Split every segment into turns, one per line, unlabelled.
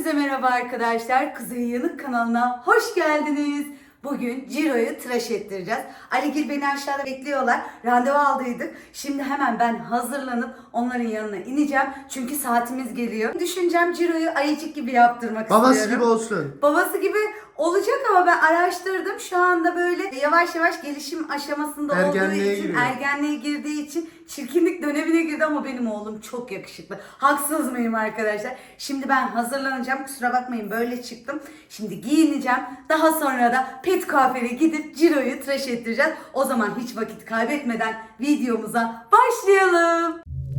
Hepinize merhaba arkadaşlar. Kuzey Yanık kanalına hoş geldiniz. Bugün Ciro'yu tıraş ettireceğiz. Aligil beni aşağıda bekliyorlar. Randevu aldıydık. Şimdi hemen ben hazırlanıp onların yanına ineceğim. Çünkü saatimiz geliyor. Düşüncem Ciro'yu ayıcık gibi yaptırmak
Babası
istiyorum.
gibi olsun.
Babası gibi olacak ama ben araştırdım. Şu anda böyle yavaş yavaş gelişim aşamasında olduğu
Ergenliğe
için,
giriyor.
ergenliğe girdiği için çirkinlik dönemine girdi ama benim oğlum çok yakışıklı. Haksız mıyım arkadaşlar? Şimdi ben hazırlanacağım. Kusura bakmayın böyle çıktım. Şimdi giyineceğim. Daha sonra da pet kuaföre gidip Ciro'yu tıraş ettireceğiz. O zaman hiç vakit kaybetmeden videomuza başlayalım.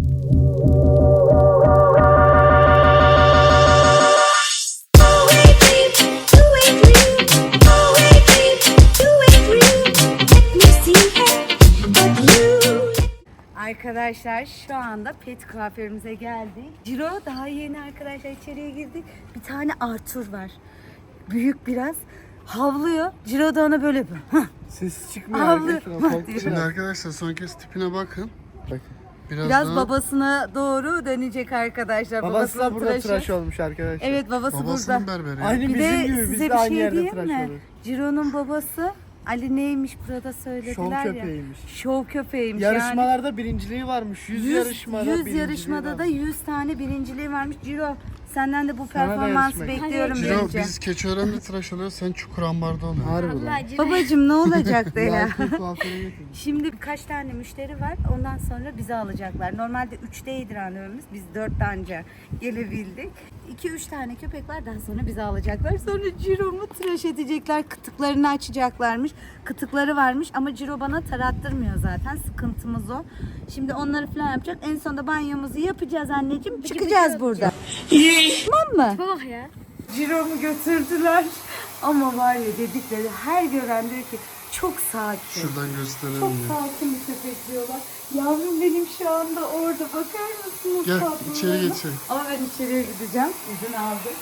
Arkadaşlar şu anda pet kuaförümüze geldik. Ciro daha yeni arkadaşlar içeriye girdik. Bir tane Arthur var. Büyük biraz. Havlıyor. Ciro da ona böyle
Ses çıkmıyor
Havlıyor.
arkadaşlar.
Şimdi arkadaşlar son kez tipine bakın.
Bakın.
Biraz
daha
babasına doğru dönecek arkadaşlar.
Babası da
Babasının
burada
tıraşı.
tıraş olmuş arkadaşlar.
Evet babası
babasının
burada.
berberi.
Aynı
Bir
bizim
de
gibi biz
size
de
bir
aynı
şey
yerde
diyeyim
tıraş
mi?
oluruz.
Ciro'nun babası Ali neymiş burada söylediler
Şov
ya.
köpeğiymiş.
Şov köpeğiymiş.
Yarışmalarda birinciliği varmış. 100 yarışmada
100
birinciliği
yarışmada da
varmış.
100 tane birinciliği varmış. Ciro senden de bu
Sana da
performansı
yarışmak.
bekliyorum
Ciro
bence.
biz Keçiören'de tıraş oluyoruz, sen Çukurambar'da oluyorsun.
Harbi lan.
Babacım ne olacak de ya.
VIP kuaföre götürdüm.
Şimdi birkaç tane müşteri var. Ondan sonra bizi alacaklar. Normalde 3'teydi randevumuz. Biz 4'te anca gelebildik. 2-3 tane köpek var. Daha sonra bizi alacaklar. Sonra Ciro'mu tıraş edecekler. Kıtıklarını açacaklarmış. Kıtıkları varmış ama Ciro bana tarattırmıyor zaten. Sıkıntımız o. Şimdi onları falan yapacak. En sonunda banyomuzu yapacağız anneciğim. Çıkacağız burada. Tamam mı?
Bak ya.
Ciro'mu götürdüler. Ama var ya dedikleri her gören diyor ki çok sakin.
Şuradan gösterelim
Çok
ya.
sakin bir köpek diyorlar. Yavrum benim şu anda orada. Bakar mısınız?
Gel
tatlılığına?
içeri geçelim.
Ama ben içeriye gideceğim. İzin aldım.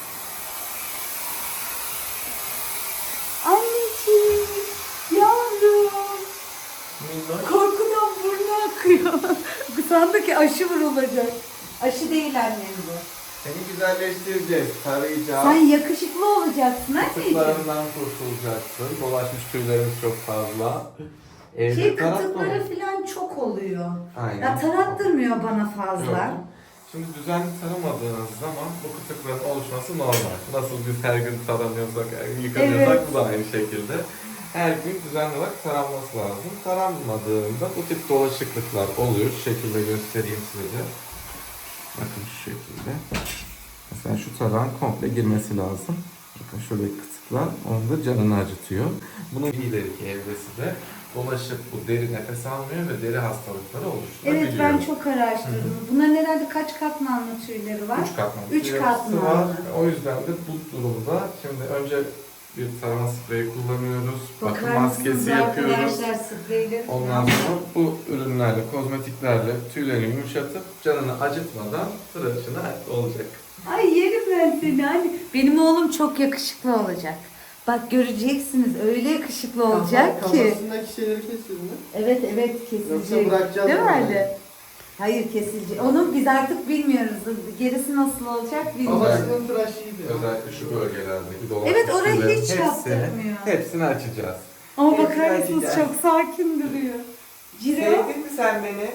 Anneciğim. Yavrum. Korkudan burnu akıyor. Sandı ki aşı vurulacak. Aşı değil annem bu.
Seni güzelleştireceğiz, tarayacağız.
Sen yakışıklı olacaksın anneciğim.
Kıtıklarından kurtulacaksın. Dolaşmış tüylerimiz çok fazla. Evde
Şey
taratma mı?
kıtıkları falan çok oluyor.
Aynen.
Ya tarattırmıyor bana fazla.
Yok. Şimdi düzenli taramadığınız zaman bu kıtıkların oluşması normal. Nasıl biz her gün taranıyorsak, yıkanıyorsak
Evet.
bu da aynı şekilde. Her gün düzenli olarak taranması lazım. Taranmadığında bu tip dolaşıklıklar oluyor. Şu şekilde göstereyim size. Bakın şu şekilde. Mesela şu tarağın komple girmesi lazım. Bakın şöyle kısıklar, onun da canını acıtıyor. Bunun ileriki evresi de dolaşıp bu deri nefes almıyor ve deri hastalıkları oluşturabiliyor.
Evet ben çok araştırdım. Bunların herhalde kaç katmanlı tüyleri var?
3 katmanlı.
3
tüy
katmanlı.
yapısı var. O yüzden de bu durumda şimdi önce bir tarama spreyi kullanıyoruz. Bakım
Bakar
maskesi
mısınız
yapıyoruz.
arkadaşlar spreyleri?
Ondan sonra bu ürünlerle, kozmetiklerle tüylerini yumuşatıp canını acıtmadan tıraşına olacak.
Ay yerim ben seni anne. Benim oğlum çok yakışıklı olacak. Bak göreceksiniz öyle yakışıklı olacak ki.
Kafasındaki şeyleri kesiyor mu?
Evet evet kesilecek.
Yoksa bırakacağız
Değil mi
mı?
Ali? Hayır kesilecek. Onu biz artık bilmiyoruz. Gerisi nasıl olacak bilmiyoruz.
Babasının tıraşıydı.
Özellikle şu bölgelerdeki dolaşmış
Evet, orayı
tüylerin
hiç yaptırmıyor.
hepsini açacağız.
Ama
Hepsini
bakar mısınız
açacağız.
çok sakin duruyor. Ciro.
Sevdin mi sen beni?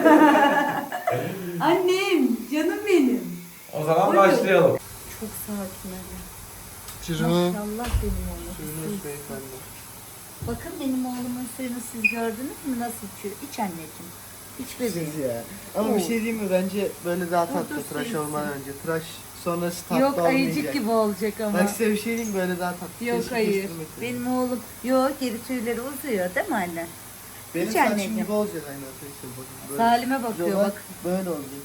Annem, canım benim.
O zaman
Buyurun.
başlayalım.
Çok sakin Ali.
Ciro.
Maşallah benim oğlum.
Suyunuz beyefendi.
Bakın benim oğlumun suyunu siz gördünüz mü nasıl içiyor? İç anneciğim. İç bebeğim.
Siz ya. Ama bir şey diyeyim mi? Bence böyle daha tatlı
dur,
tıraş
suyun
olmadan önce. Tıraş sonrası tatlı
Yok
olmayacak.
ayıcık gibi olacak ama.
Bak size bir şey diyeyim mi? Böyle daha tatlı.
Yok
Keşke
hayır.
kestirmek.
Benim oğlum yok geri tüyleri uzuyor değil mi anne?
Benim
hiç
saçım
anneciğim.
gibi olacak aynı arkadaşlar. Bakın. Böyle.
Salime bakıyor
Yola
bak.
Böyle olacak.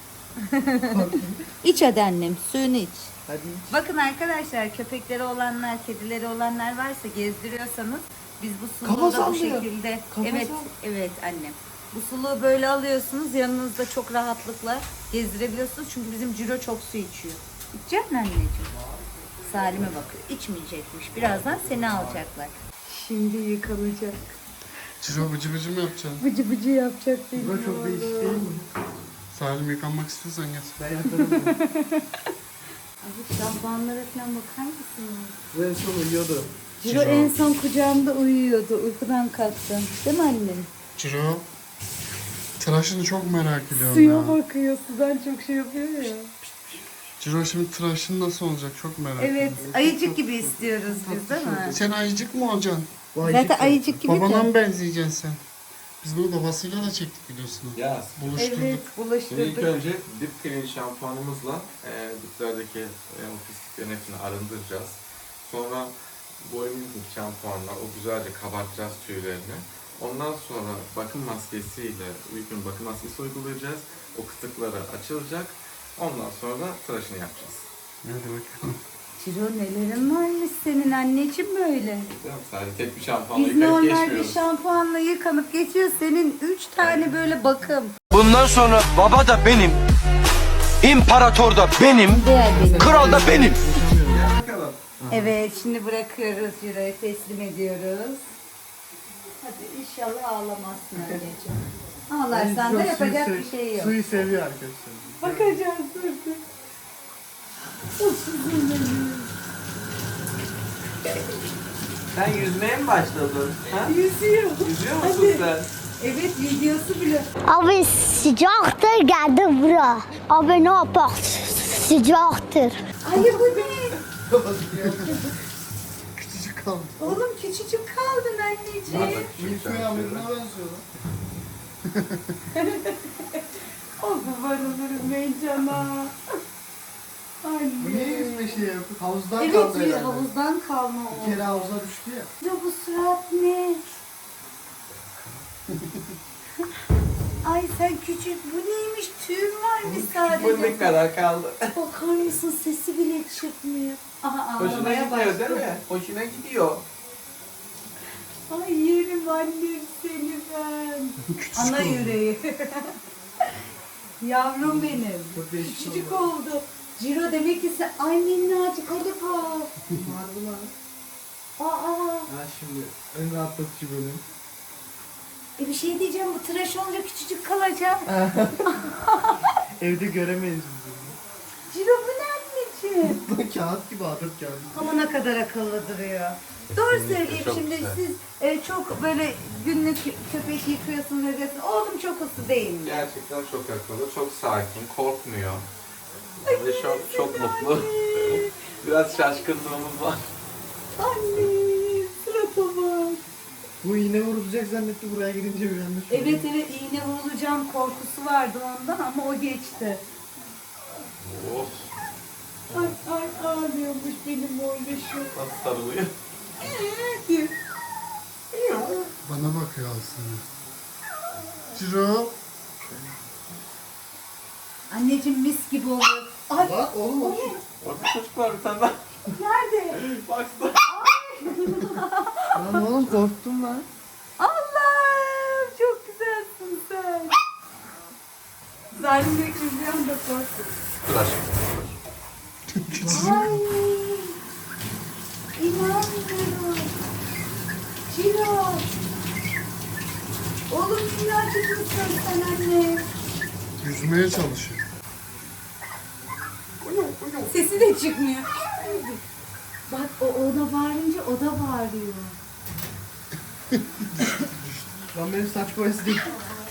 İç hadi annem suyunu iç.
Hadi iç.
Bakın arkadaşlar köpekleri olanlar, kedileri olanlar varsa gezdiriyorsanız biz bu suluğu
Kafası
da bu
alıyor.
şekilde.
Kafası
Evet,
al.
evet annem. Bu suluğu böyle alıyorsunuz yanınızda çok rahatlıkla gezdirebiliyorsunuz çünkü bizim Ciro çok su içiyor. İçecek misin anneciğim? Salim'e bakıyor. İçmeyecekmiş. Birazdan seni alacaklar. Şimdi yıkanacak.
Ciro bıcı bıcı mı yapacaksın?
Bıcı bıcı yapacak benim
Bu da çok değişik değil mi?
Salim yıkanmak istiyorsan gel.
Ben yaparım.
Abi, Tabanlara falan bakar mısınız?
En son uyuyordu.
Ciro en son kucağımda uyuyordu. Uykudan kalktım. Değil mi annem?
Ciro. Tıraşını çok merak ediyorum
Suya
ya.
bakıyor. Sudan çok şey yapıyor ya.
Ciro şimdi tıraşın nasıl olacak çok merak
Evet.
ediyorum.
Ayıcık gibi istiyoruz biz değil mi?
Sen ayıcık mı olacaksın?
Zaten ayıcık gibi
Babana
de.
mı benzeyeceksin sen? Biz bunu babasıyla da çektik biliyorsun.
Yaz.
Buluşturduk.
Evet.
Şimdi ilk
Bulaştırdık.
önce dip clean şampuanımızla diplerdeki o pisliklerin hepsini arındıracağız. Sonra boyumuzun şampuanla o güzelce kabartacağız tüylerini. Ondan sonra bakım maskesiyle uygun bakım maskesi uygulayacağız. O kıtıkları açılacak. Ondan sonra tıraşını yapacağız.
Hadi bakalım.
Ciro nelerin varmış senin anneciğim böyle.
Değil mi? Sadece tek bir şampuanla
Biz
yıkayıp
normalde
geçmiyoruz.
şampuanla yıkanıp geçiyoruz. Senin 3 tane böyle bakım.
Bundan sonra baba da benim, imparator da benim,
Değer benim.
kral da benim.
Gel bakalım.
Evet şimdi bırakıyoruz Ciro'yu teslim ediyoruz. Hadi inşallah ağlamazsın anneciğim. Ağlarsan da yapacak bir şey yok.
Suyu seviyor arkadaşlar.
Bakacağız dur.
Sen yüzmeye mi başladın? Ha?
Yüzüyor.
Yüzüyor musun sen?
Evet videosu bile.
Abi sıcaktır geldi bura. Abi ne yapar? Sıcaktır.
Ay bu ne?
Küçücük kaldı.
Oğlum küçücük kaldın anneciğim.
Milföy amına benziyor lan.
O kurban olurum heyecanla. Anne.
Bu niye yüzme şey yapıyor? Havuzdan
Evet
kaldı herhalde.
havuzdan kalma o.
Bir kere havuza düştü ya.
Ya bu surat ne? Ay sen küçük bu neymiş tüyün varmış sadece.
Bu ne kadar kaldı?
Bakar mısın sesi bile çıkmıyor. Aha
Hoşuna
ağlamaya
gidiyor değil
başladı.
mi? Hoşuna gidiyor.
Ay yerim annem seni ben.
Küçücük
Ana
oldu.
yüreği. Yavrum benim.
Çok değişik
Küçücük oldu. Ciro demek ki sen ay minnacık hadi kal.
Harbi lan.
Aa.
Ha şimdi en rahatlatıcı bölüm.
Bir şey diyeceğim bu tıraş olunca küçücük kalacak.
Evde göremeyiz biz
Ciro bu ne anneciğim?
bunu. Kağıt gibi atıp kağıt.
Ama ne kadar akıllı duruyor. Doğru söyleyeyim
çok
şimdi
güzel.
siz çok böyle günlük köpek yıkıyorsunuz ediyorsunuz. Oğlum çok uslu değil mi?
Gerçekten çok akıllı, çok sakin, korkmuyor. Ve çok mutlu. Biraz şaşkınlığımız var.
Anne surata bak.
Bu iğne vurulacak zannetti buraya gidince bir yanlış oldu.
Evet iğne vurulacağım korkusu vardı ondan ama o geçti.
Of,
Ay ağlıyormuş benim oğluşum.
nasıl sarılıyor?
Diyor.
Bana bakıyor aslında. Ciro.
Anneciğim mis gibi oluyor. Ay
Bak oğlum o.
Orada çocuk var bir tane daha.
nerede?
Baksana.
Lan oğlum korktum lan.
Allah'ım çok güzelsin sen. Zalimlik izleyen de korktu.
Tıraş.
Ay inanmıyorum. Ciro. Oğlum minnacık mısın sen anne?
Yüzmeye çalışıyor.
Sesi de çıkmıyor. Bak o ona bağırınca o da bağırıyor.
Lan benim saç boyası değil.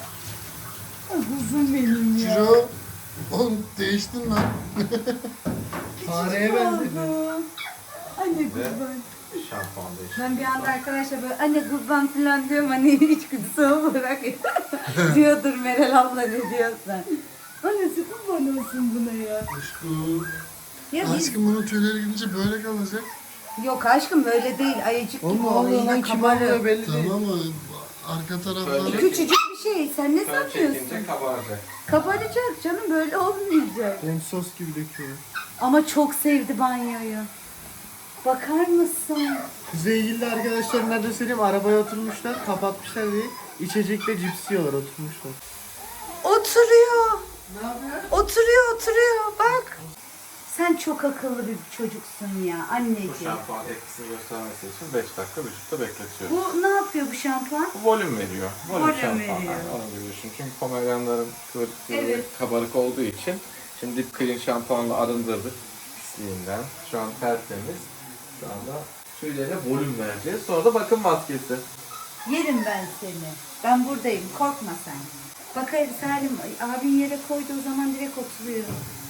Kuzum benim ya.
Ciro. Oğlum değiştin lan.
Fareye benzedi.
Oldum. Anne kurban.
Şampuan değişti.
Ben bir anda arkadaşlar böyle anne kurban falan diyorum hani içgüdüsü olarak diyordur Meral abla ne diyorsan. Annesi kurban olsun buna ya.
Aşkım.
Ya biz...
Aşkım bunun tüyleri gidince böyle kalacak.
Yok aşkım böyle değil ayıcık
Oğlum
gibi
ne
oluyor.
oluyor lan
Yine
kim
kabarır.
oluyor belli değil.
Tamam mı? Arka tarafları.
Şöyle.
Küçücük bir şey sen ne
Fön
sanıyorsun?
çekince kabaracak.
Kabaracak canım böyle olmayacak.
Benim sos gibi döküyor.
Ama çok sevdi banyoyu. Bakar mısın?
Kuzeyilli arkadaşlar nerede söyleyeyim arabaya oturmuşlar kapatmışlar diye içecekle cips yiyorlar oturmuşlar.
Oturuyor.
Ne yapıyor?
Oturuyor bak. Sen çok akıllı bir çocuksun ya
Bu
anneciğim.
şampuan etkisini göstermesi için 5 dakika vücutta bekletiyoruz.
Bu ne yapıyor bu şampuan?
Bu volüm veriyor. Volüm
Volüm
şampuan.
veriyor.
Yani onu biliyorsun. Çünkü pomeryanların kıvırcık
Evet.
kabarık olduğu için şimdi dip clean şampuanla arındırdık. gençliğinden. Şu an tertemiz. Şu anda tüylerine volüm vereceğiz. Sonra da bakım maskesi.
Yerim ben seni. Ben buradayım. Korkma sen. Bak hayır Salim abin yere koyduğu zaman direkt oturuyor.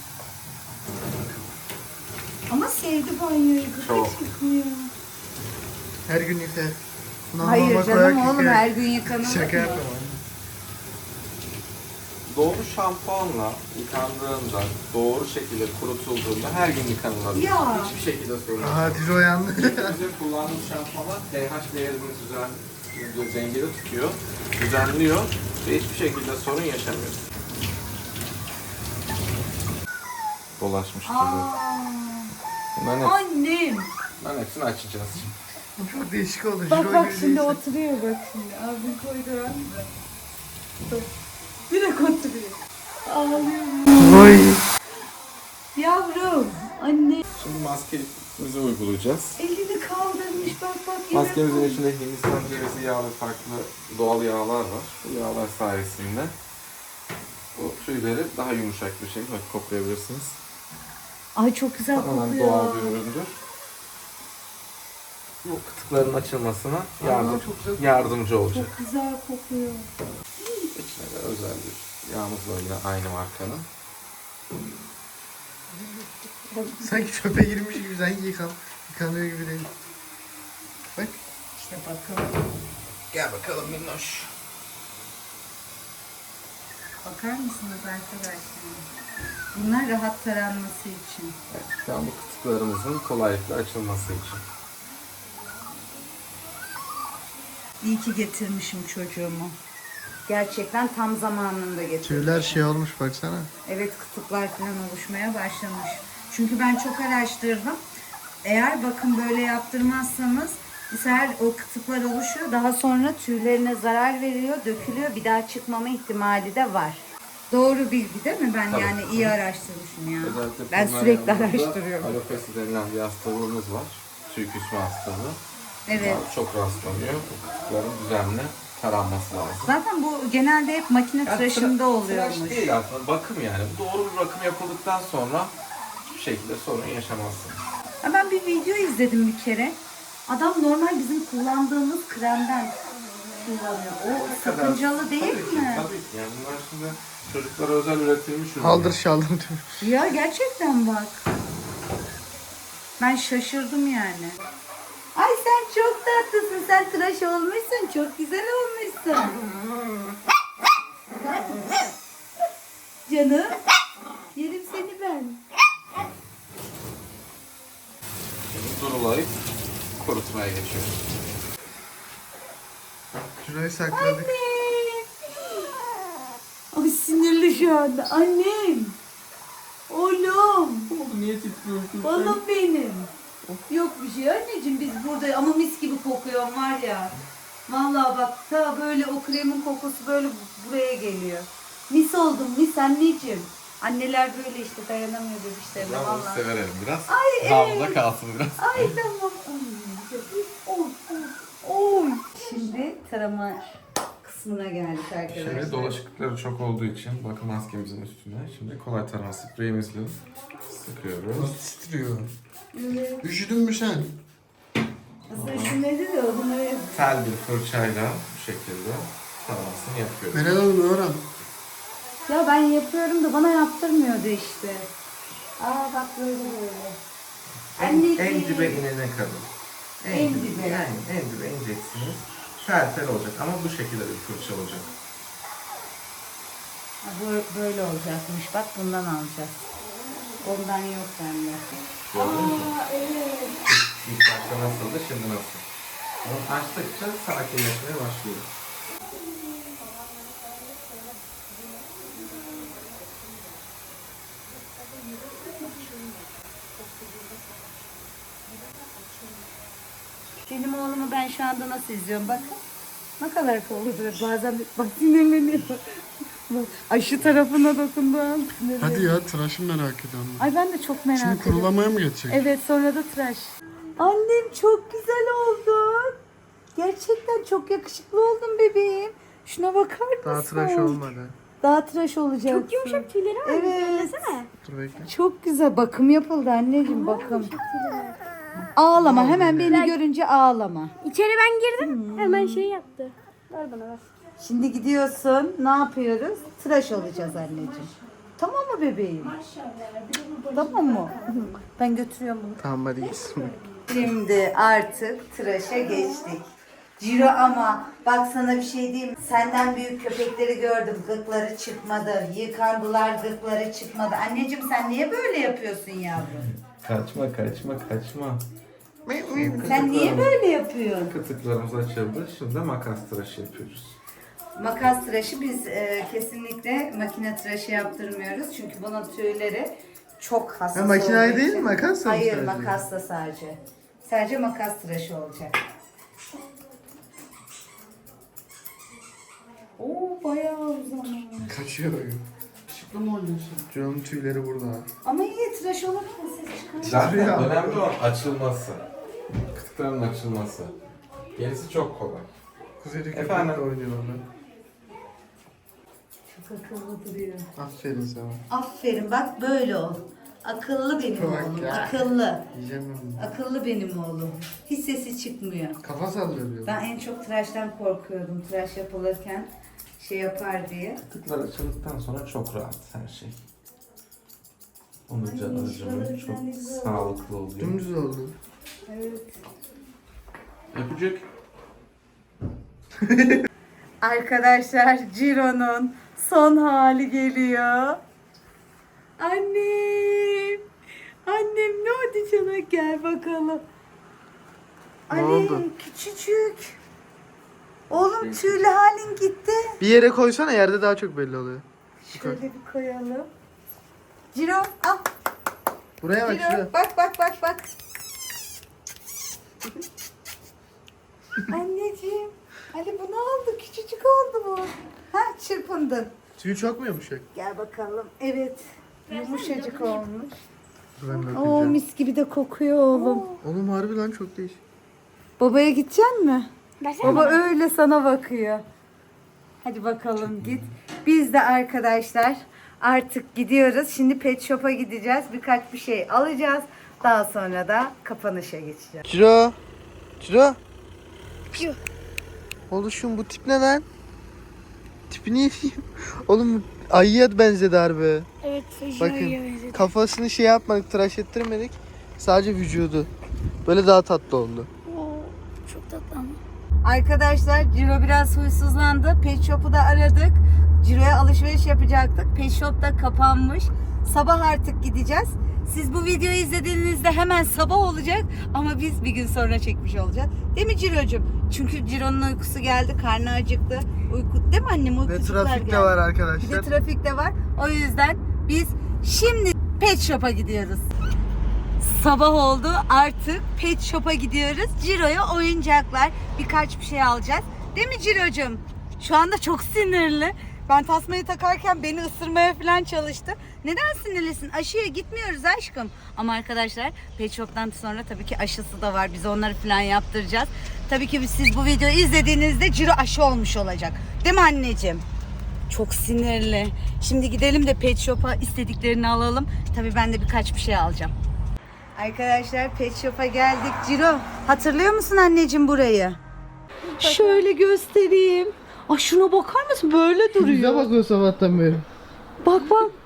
Ama sevdi banyoyu.
Çok.
Hiç yıkmıyor.
Her gün yıkar. Buna
Hayır
mama
canım
koyarak
oğlum
yıkar.
her gün yıkanır
Şaka
mı?
yapma.
Doğru şampuanla yıkandığında, doğru şekilde kurutulduğunda her gün yıkanılabilir.
Ya.
Hiçbir şekilde sorun yok.
Aha Dizo uyandı.
Bizim kullandığımız şampuanlar pH değerini dengede tutuyor, düzenliyor ve hiçbir şekilde sorun yaşamıyor. Dolaşmıştır.
Annem.
Bunların hepsini açacağız şimdi.
Bu çok değişik oldu.
Bak
Jiro
bak
gibi
şimdi
değilsin.
oturuyor bak şimdi. Abim koydu an. Bak. Direkt oturuyor. Ağlıyorum.
Oy.
Yavrum. Anne.
Şimdi maskemizi uygulayacağız.
Elini kaldırmış bak bak. yine
Maskemizin
koy.
içinde Hindistan cevizi yağı ve farklı doğal yağlar var. Bu yağlar sayesinde bu tüyleri daha yumuşak bir şekilde koklayabilirsiniz.
Ay çok güzel
Tamamen
kokuyor.
doğal bir üründür. Bu kıtıkların açılmasına yardımcı olacak.
Çok güzel kokuyor.
İçine de özel bir yağımız var yine aynı markanın.
Sanki çöpe girmiş gibi sanki yıkanıyor gibi değil. Bak.
İşte bakalım.
Gel bakalım minnoş.
Bakar mısınız arkadaşlar? Bunlar rahat taranması için.
Evet, şu an bu kıtıklarımızın kolaylıkla açılması için.
İyi ki getirmişim çocuğumu. Gerçekten tam zamanında getirdim.
Tüyler şey olmuş baksana.
Evet kıtıklar falan oluşmaya başlamış. Çünkü ben çok araştırdım. Eğer bakın böyle yaptırmazsanız bu sefer o kıtıklar oluşuyor. Daha sonra tüylerine zarar veriyor, dökülüyor. Bir daha çıkmama ihtimali de var. Doğru bilgi değil mi? Ben
Tabii.
yani iyi araştırmışım ya.
Özellikle
Ben
bunlar
sürekli
yanında
araştırıyorum.
Alopesi denilen bir hastalığımız var. Tüy küsme hastalığı.
Evet.
Bunlar çok rastlanıyor. Bu kıtıkların düzenli taranması lazım.
Zaten bu genelde hep makine tıraşında oluyormuş.
Tıraş değil aslında, bakım yani. Doğru bir bakım yapıldıktan sonra hiçbir şekilde sorun yaşamazsınız.
Ha, ben bir video izledim bir kere. Adam normal bizim kullandığımız kremden kullanıyor. O sakıncalı değil
Tabii ki,
mi?
tabii ki. Yani bunlar şimdi çocuklara özel üretilmiş ürünler.
Haldır şaldır tüy.
Ya gerçekten bak. Ben şaşırdım yani. Ay sen çok tatlısın. Sen tıraş olmuşsun. Çok güzel olmuşsun. Canım. Yerim seni ben.
Şimdi durulayıp kurutmaya geçiyoruz.
Jiro'yu sakladık.
Ay sinirli şu anda. Annem. Oğlum.
Niye titriyorsun?
Balım benim. Yok bir şey anneciğim biz burada ama mis gibi kokuyor var ya. Vallahi bak ta böyle o kremin kokusu böyle buraya geliyor. Mis oldum mis anneciğim. Anneler böyle işte dayanamıyor bebişlerine
Ben bunu
vallahi.
severim biraz.
Ay,
Havluda
evet.
kalsın biraz.
Ay tamam. Oy, oy, oy. Şimdi tarama kısmına geldik arkadaşlar.
Şimdi dolaşıklıkları çok olduğu için bakım maskemizin üstüne şimdi kolay tarama spreyimizle sıkıyoruz.
Titriyor.
Evet.
Üşüdün mü sen?
Aslında üşümedi de o bunları...
Tel bir fırçayla bu şekilde taramasını yapıyoruz.
Meral Hanım öğren.
Ya ben yapıyorum da bana yaptırmıyordu işte. Aa bak böyle böyle.
En dibe inene kadar.
En dibe.
Yani en dibe ineceksiniz. Tel tel olacak ama bu şekilde bir fırça olacak.
Ha, böyle olacakmış. Bak bundan alacağız. Ondan yok bende.
Gördün mü?
Evet.
İlk başta nasıldı, şimdi nasıl? Onu açtıkça sakinleşmeye başlıyor.
Benim oğlumu ben şu anda nasıl izliyorum bakın. Ne kadar kolludur. Bazen bak sinirleniyor. Bak, ay şu tarafına dokunduğu an sinirleniyor.
Hadi ya tıraşı merak ediyorum.
Ay ben de çok merak
Şimdi
ediyorum.
kurulamaya mı geçecek?
Evet sonra da tıraş. Annem çok güzel oldun. Gerçekten çok yakışıklı oldun bebeğim. Şuna bakar mısın?
Daha tıraş olmadı.
Daha tıraş olacaksın.
Çok yumuşak tüyleri var.
Evet.
Söylesene.
Dur bekle.
Çok güzel. Bakım yapıldı anneciğim, bakım. Ağlama. Hemen beni görünce ağlama.
İçeri ben girdim. Hemen şey yaptı. Ver bana ver.
Şimdi gidiyorsun. Ne yapıyoruz? Tıraş olacağız anneciğim. Tamam mı bebeğim? Tamam mı? Ben götürüyorum bunu.
Tamam hadi gitsin.
Şimdi artık tıraşa geçtik. Ciro ama bak sana bir şey diyeyim. Senden büyük köpekleri gördüm. Gıkları çıkmadı. Yıkandılar, gıkları çıkmadı. Anneciğim sen niye böyle yapıyorsun yavrum?
Kaçma kaçma kaçma.
Sen niye böyle yapıyorsun?
Kıtıklarımız açıldı. Şimdi makas tıraşı yapıyoruz.
Makas tıraşı biz kesinlikle makine tıraşı yaptırmıyoruz. Çünkü bunun tüyleri çok hassas
Ha, makinayı
olduğu
değil
için-
mi? Makasla mı
Hayır,
sadece?
makasla sadece. Sadece makas tıraşı olacak. Oo bayağı uzamış.
Kaçıyor böyle. Işıklı mı oynuyorsun? Canım tüyleri burada.
Ama iyi tıraş olurken ses çıkar.
Zaten
Ya.
önemli olan açılması. Kıtıkların açılması. Gerisi çok kolay.
Kuzeyde
Efendim?
köpekle oynuyor orada.
Çok akıllı duruyor.
Aferin sana.
Aferin bak böyle ol. Akıllı benim
Bak
oğlum.
ya.
Akıllı.
Yiyeceğim ben bunu.
Akıllı benim oğlum. Hiç sesi çıkmıyor.
Kafa sallıyor diyor.
Ben en çok tıraştan korkuyordum. Tıraş yapılırken şey yapar diye.
Kıtıklar açıldıktan sonra çok rahat her şey. Onun canı acımıyor. Çok sağlıklı oluyor.
Dümdüz oldu.
Evet.
Öpücük.
Arkadaşlar Ciro'nun son hali geliyor. Annem. Annem ne oldu sana? Gel bakalım.
Ne
Annem
oldu?
küçücük. Oğlum tüylü halin gitti.
Bir yere koysana, yerde daha çok belli oluyor.
Şöyle bir koyalım. Ciro al.
Buraya bak şuraya.
Ciro bak. Anneciğim. Ali bu ne oldu? Küçücük oldu bu. Ha çırpındın.
Tüyü çok mu yumuşak?
Gel bakalım. Evet. Yumuşacık olmuş.
Dur ben de
Oo
öpeceğim.
mis gibi de kokuyor oğlum.
Oğlum harbi lan çok değişik.
Babaya gideceksin mi?
Versene
Baba
bana.
öyle sana bakıyor. Hadi bakalım git. Biz de arkadaşlar artık gidiyoruz. Şimdi pet shop'a gideceğiz. Birkaç bir şey alacağız. Daha sonra da kapanışa geçeceğiz.
Ciro. Ciro. Oluşum bu tip ne lan? Tipini yiyeyim. Oğlum ayıya benzedi harbi.
Evet.
Bakın kafasını şey yapmadık, tıraş ettirmedik. Sadece vücudu. Böyle daha tatlı oldu.
Çok tatlı ama.
Arkadaşlar Ciro biraz huysuzlandı. Pet shop'u da aradık. Ciro'ya alışveriş yapacaktık. Pet shop da kapanmış. Sabah artık gideceğiz. Siz bu videoyu izlediğinizde hemen sabah olacak ama biz bir gün sonra çekmiş olacağız. Değil mi Ciro'cum? Çünkü Ciro'nun uykusu geldi, karnı acıktı. Uyku, değil mi annem?
Ve
Uykucuklar
trafik de
geldi.
var
Bir de
arkadaşlar.
trafik de var. O yüzden biz şimdi pet shop'a gidiyoruz. Sabah oldu, artık pet shop'a gidiyoruz. Ciro'ya oyuncaklar, birkaç bir şey alacağız. Değil mi Ciro'cum? Şu anda çok sinirli. Ben tasmayı takarken beni ısırmaya falan çalıştı. Neden sinirlisin? Aşıya gitmiyoruz aşkım. Ama arkadaşlar pet shop'tan sonra tabii ki aşısı da var. Biz onları falan yaptıracağız. Tabii ki siz bu videoyu izlediğinizde Ciro aşı olmuş olacak. Değil mi anneciğim? Çok sinirli. Şimdi gidelim de pet shop'a istediklerini alalım. Tabii ben de birkaç bir şey alacağım. Arkadaşlar pet shop'a geldik. Ciro hatırlıyor musun anneciğim burayı? Şöyle göstereyim. Ay şuna bakar mısın? Böyle
Bize
duruyor.
bakıyor sabahtan beri.
Bak.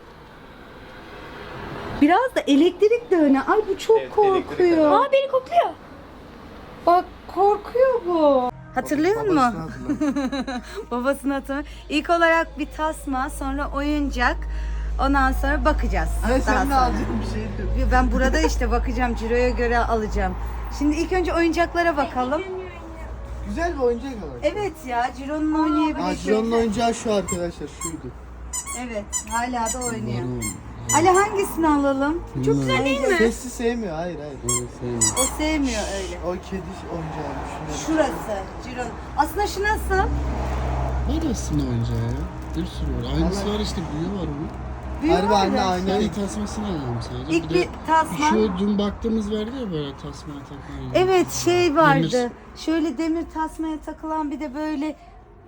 Biraz da elektrik de öne. Ay bu çok korkuyor.
Aa beni kokluyor.
Bak korkuyor bu. Hatırlıyor musun?
Babasını hatırla.
Babasını hatırlıyor. İlk olarak bir tasma, sonra oyuncak. Ondan sonra bakacağız.
Hani
Daha
sen ne
sonra.
alacaksın bir şey diyor.
Ben burada işte bakacağım. Ciro'ya göre alacağım. Şimdi ilk önce oyuncaklara bakalım.
Güzel bir oyuncak var.
Evet ya Ciro'nun oynayabileceği.
Ciro'nun oyuncağı şu arkadaşlar, şuydu.
Evet hala da oynuyor. Ali hangisini alalım? Çok güzel değil mi?
Sesli sevmiyor, hayır.
O sevmiyor öyle.
O kedi oyuncağı.
Şurası Ciro'nun. Aslında şu nasıl?
Neresinde oyuncağı ya? Bir sürü var. Aynısı var işte, büyüğü var bunun.
Büyük
Harbi anne
arkadaş.
aynı.
Ben ilk tasmasını alalım sadece.
İlk bir tasma.
Şu dün baktığımız vardı ya böyle tasmaya takılan.
Evet şey vardı.
Demir.
Şöyle demir tasmaya takılan bir de böyle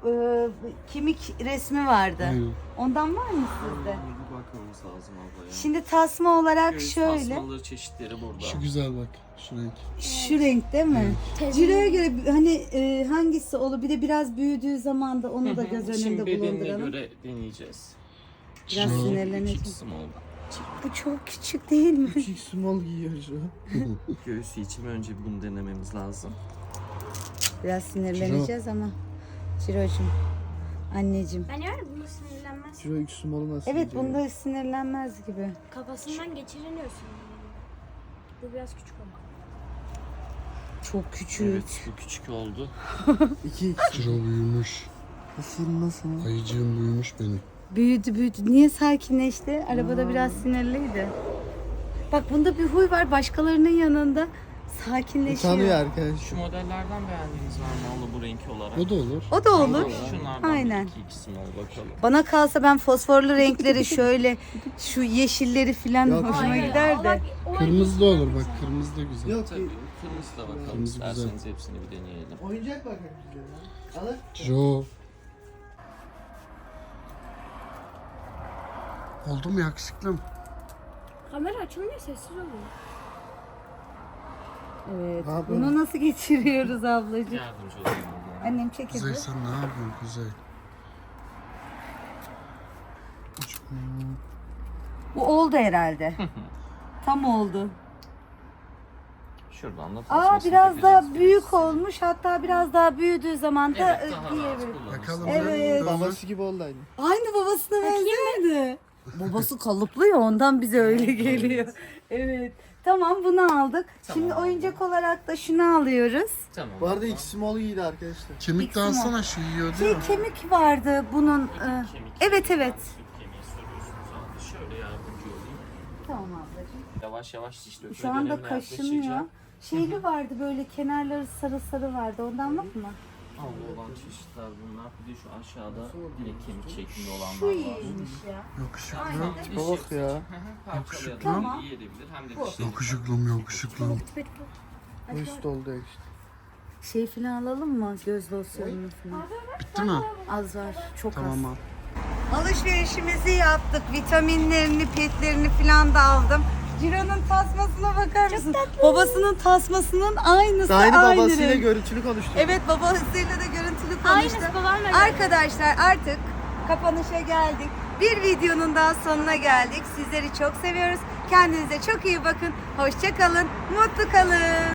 kemik resmi vardı.
Aynen.
Ondan var mı sizde?
Bir bakmamız lazım abla ya.
Şimdi tasma olarak
Göğüs
şöyle.
tasmaları çeşitleri burada.
Şu güzel bak. Şu renk.
Şu renk değil mi? Ciro'ya göre hani hangisi olur? Bir de biraz büyüdüğü zaman da onu da göz
Şimdi
önünde
bedenine
bulunduralım.
göre deneyeceğiz.
Biraz
Ciro.
sinirleneceğim.
Küçük small.
Bu çok küçük değil mi?
Küçük small giyiyor şu.
Göğüsü için önce bunu denememiz lazım.
Biraz sinirleneceğiz ama. Ciro'cum. Anneciğim.
Ben yani bunu sinirlenmez.
Ciro X small'u nasıl
Evet
giyiyor?
bunda sinirlenmez gibi.
Kafasından geçiriliyorsun. Bu biraz küçük ama.
Çok küçük.
Evet bu küçük oldu.
2X.
Ciro büyümüş.
Nasıl?
Ayıcığım büyümüş benim.
Büyüdü. Niye sakinleşti? Arabada biraz sinirliydi. Bak bunda bir huy var. Başkalarının yanında sakinleşiyor.
Utanıyor arkadaş.
Şu modellerden beğendiğiniz var mı abla bu renk olarak?
O da olur.
O da olur.
Şunlardan
Aynen.
bir iki small bakalım.
Bana kalsa ben fosforlu renkleri şöyle şu yeşilleri falan
Yok.
hoşuma gider de.
Kırmızı da olur bak. Kırmızı da güzel.
Yok
Tabii kırmızı da bakalım
Kırmızı güzel.
isterseniz hepsini bir deneyelim.
oyuncak bakın bize ya. Alır.
Ciro. Oldu mu yakışıklım?
Kamera açılmıyor, sessiz oluyor.
Evet.
Ne yapıyorsun?
Bunu nasıl geçiriyoruz ablacığım?
Yardımcı olayım abla.
Annem çekildi.
Kuzey sen ne yapıyorsun Kuzey?
Bu oldu herhalde. Tam oldu.
Şuradan da
Aa
tasmasını
biraz daha
takacağız.
büyük olmuş. Hatta biraz daha büyüdüğü zaman da
Evet, daha rahat
diyebilirim.
kullanırsın.
Bakalım
Evet.
ne?
Babası gibi oldu aynı.
Aynı babasına benzerdi. Babası kalıplı ya ondan bize öyle geliyor. Evet. Tamam bunu aldık. Şimdi oyuncak olarak da şunu alıyoruz.
Tamam.
Bu arada X small giydi arkadaşlar.
Kemik de alsana şu yiyor değil mi?
Kemik vardı bunun.
Kemik,
Evet evet.
süt kemiği soruyorsunuz abi. Şöyle yardımcı olayım.
Tamam ablacığım.
Yavaş yavaş diş dökme
Şu anda
dönemine
kaşınıyor.
yaklaşacağım.
Şeyli vardı böyle kenarları sarı sarı vardı. Ondan var mı?
Havlu olan çeşitler bunlar. Bir de şu aşağıda direkt kemik şeklinde
Şu
olanlar var.
iyiymiş ya.
Yakışıklım.
Diş
Bak
yapısı
ya.
için, parçalayalım.
Tamam.
İyi edebilir hem de dişleri.
Yakışıklım yakışıklım.
Bu üst oldu ya işte.
Şey falan alalım mı? Göz losyonunu falan.
Bitti mi?
Az var. Çok az.
Tamam al.
Alışverişimizi yaptık. Vitaminlerini, petlerini falan da aldım. Ciro'nun tasmasına bakar mısın? Babasının tasmasının aynısı.
Aynı
aynı
babasıyla
renk.
görüntülü konuştuk.
Evet babasıyla da görüntülü konuştuk.
Aynısı babamla.
Arkadaşlar artık kapanışa geldik. Bir videonun daha sonuna geldik. Sizleri çok seviyoruz. Kendinize çok iyi bakın. Hoşça kalın. Mutlu kalın.